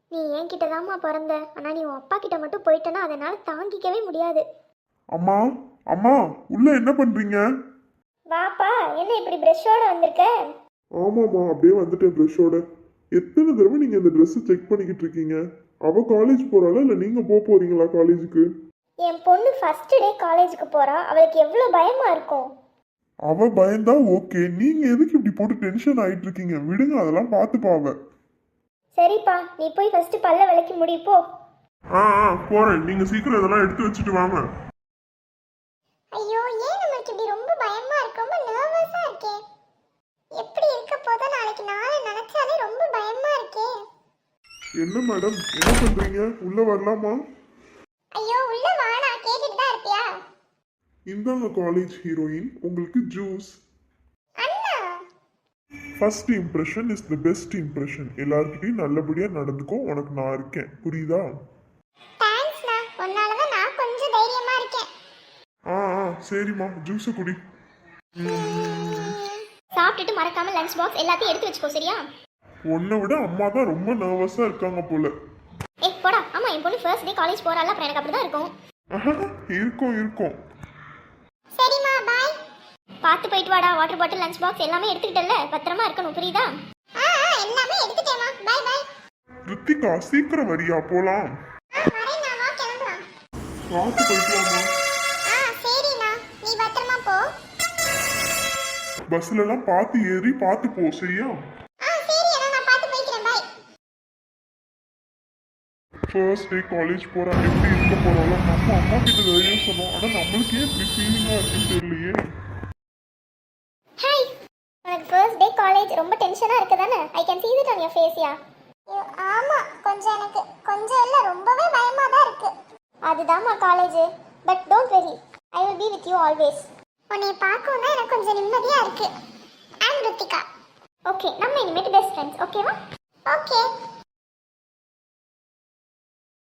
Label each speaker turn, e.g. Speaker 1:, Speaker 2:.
Speaker 1: நீ என்கிட்ட தாம்மா பிறந்த, ஆனா நீ உன் அப்பா கிட்ட மட்டும் போயிட்டனா அதனால தாங்கிக்கவே முடியாது.
Speaker 2: அம்மா, அம்மா, உள்ள என்ன பண்றீங்க?
Speaker 1: வாப்பா, என்ன இப்படி பிரஷோட வந்திருக்க?
Speaker 2: ஆமாம்மா, அப்படியே வந்துட்டேன் ப்ரெஷ்ஷோட. எத்தனை தடவை நீங்க இந்த ட்ரெஸ்ஸை செக் பண்ணிக்கிட்டு இருக்கீங்க? அவ காலேஜ் போறாளா இல்ல நீங்க போறீங்களா காலேஜுக்கு?
Speaker 1: என் பொண்ணு ஃபர்ஸ்ட் டே காலேஜுக்கு போறா, அவளுக்கு எவ்வளோ பயமா இருக்கும்.
Speaker 2: அவ பயந்தா ஓகே, நீங்க எதுக்கு இப்படி போட்டு டென்ஷன் ஆயிட்டு இருக்கீங்க? விடுங்க, அதெல்லாம் பார்த்துப்பா அவ.
Speaker 1: சரிப்பா, நீ போய் ஃபர்ஸ்ட் பல்ல விளக்கி முடிப்போ.
Speaker 2: போறேன். நீங்க சீக்கிரம் இதெல்லாம் எடுத்து வச்சுட்டு வாங்க.
Speaker 1: ஐயோ, ஏன் நமக்கு இப்படி ரொம்ப பயமா இருக்கு? ரொம்ப நர்வஸா இருக்கே. எப்படி இருக்க போதோ நாளைக்கு நாளை நினைச்சாலே ரொம்ப பயமா இருக்கே.
Speaker 2: என்ன மேடம், என்ன பண்றீங்க? உள்ள வரலாமா?
Speaker 1: ஐயோ, உள்ள வாடா, கேட்டுட்டு தான் இருப்பியா?
Speaker 2: இந்தாங்க காலேஜ் ஹீரோயின், உங்களுக்கு ஜூஸ்.
Speaker 1: அண்ணா,
Speaker 2: first impression is the best impression. எல்லார்கிட்டயும் நல்லபடியா நடந்துக்கோ, உனக்கு நான் இருக்கேன், புரியுதா?
Speaker 1: தேங்க்ஸ்ண்ணா, உன்னால தான் நான் கொஞ்சம் தைரியமா இருக்கேன்.
Speaker 2: சரிம்மா, ஜூஸை குடி.
Speaker 1: சாப்பிட்டுட்டு மறக்காம லஞ்ச் பாக்ஸ் எல்லாத்தையும் எடுத்து வச்சுக்கோ, சரியா?
Speaker 2: உன்னை விட அம்மா தான் ரொம்ப நர்வஸா இருக்காங்க போல.
Speaker 1: போடா. ஆமா, என் பொண்ணு ஃபர்ஸ்ட் டே காலேஜ் போறால, அப்புறம் எனக்கு அப்படிதான் இருக்கும்.
Speaker 2: இருக்கும்.
Speaker 1: சரிம்மா, பாய். பார்த்து போயிட்டு வாடா. வாட்டர் பாட்டில், லஞ்ச் பாக்ஸ் எல்லாமே எடுத்துக்கிட்டல, பத்திரமா இருக்கணும், புரியுதா? எல்லாமே எடுத்துட்டேமா. By by.
Speaker 2: ரித்திகா, சீக்கிரம் வரியா, போலாம்.
Speaker 1: வரேண்ணா, வா கிளம்பலாம்.
Speaker 2: பார்த்து போயிட்டு வாமா.
Speaker 1: சரிண்ணா, நீ பத்திரமா போ.
Speaker 2: பஸ்ல எல்லாம் பார்த்து ஏறி பார்த்து போ, சரியா?
Speaker 1: சரி அண்ணா, நான் பார்த்து போய்க்கிறேன். பை.
Speaker 2: ஃபர்ஸ்ட் டே காலேஜ் போறா, எப்படி இருக்க போறாளோ? நம்ம அம்மா கிட்ட தைரியம் சொன்னோம், ஆனா நம்மளுக்கே இப்படி ஃபீலிங்கா இருக்குன்னு தெரியலையே.
Speaker 1: ஹாய். உனக்கு ஃபர்ஸ்ட் டே காலேஜ் ரொம்ப டென்ஷனா இருக்கு தானே? I can see it on your face. ஆமா, கொஞ்சம் எனக்கு கொஞ்சம் இல்ல ரொம்பவே பயமா தான் இருக்கு. அதுதான்மா college. But don't worry, I will be with you always. உன்னை பார்க்கணும்னா எனக்கு கொஞ்சம் நிம்மதியா இருக்கு. ஐ அம் ரித்திகா. ஓகே, நம்ம இனிமேட்டு பெஸ்ட் ஃப்ரெண்ட்ஸ், ஓகேவா? ஓகே.